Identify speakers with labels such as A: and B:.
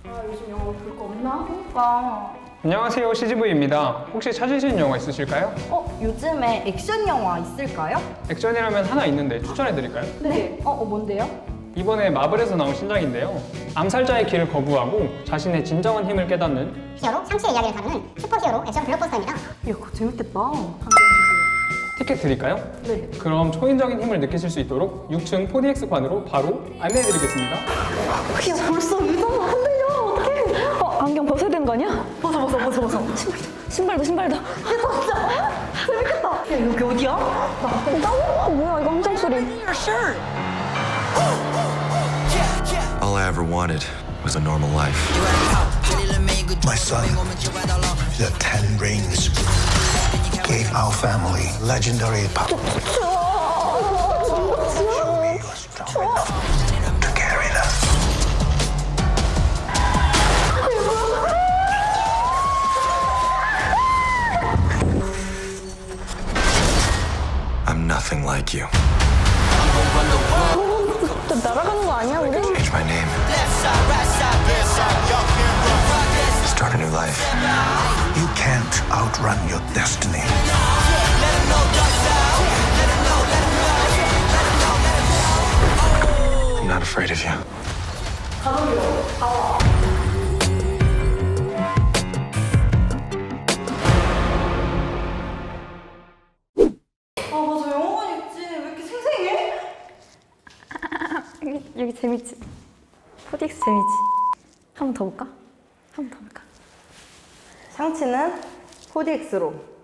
A: 요즘 영화 볼 거 없나? 그러니까.
B: 안녕하세요, CGV입니다. 혹시 찾으시는 영화 있으실까요?
A: 요즘에 액션 영화 있을까요?
B: 액션이라면 하나 있는데 추천해드릴까요?
A: 네. 뭔데요?
B: 이번에 마블에서 나온 신작인데요. 암살자의 길을 거부하고 자신의 진정한 힘을 깨닫는
C: 히어로 샹치의 이야기를 다루는 슈퍼히어로 액션 블록버스터입니다.
A: 그거 재밌겠다.
B: 티켓 드릴까요?
A: 네.
B: 그럼 초인적인 힘을 느끼실 수 있도록 6층 4DX관으로 바로 안내해드리겠습니다.
A: 야, 벌써 의자가 흔들려. 어떡해.
D: 안경 벗어야 되는 거 아니야?
A: 벗어.
D: 신발도.
A: 재밌겠다. 야, 여기 어디야?
D: 뭐야 이거 함정 소리.
E: All I ever wanted was a normal life.
F: My son, the Ten Rings, gave our family legendary power. Show me you're strong enough to carry them.
E: I'm nothing like you.
D: 저 날아가는 거 아니야 우리?
E: Change my name. Start a new life.
F: You can't outrun your destiny.
E: I'm not afraid of you.
A: 맞아. 영화관 있지. 왜 이렇게 생생해?
D: 여기 재밌지? 4DX 재밌지? 한 번 더 볼까?
A: 샹치는 4DX로.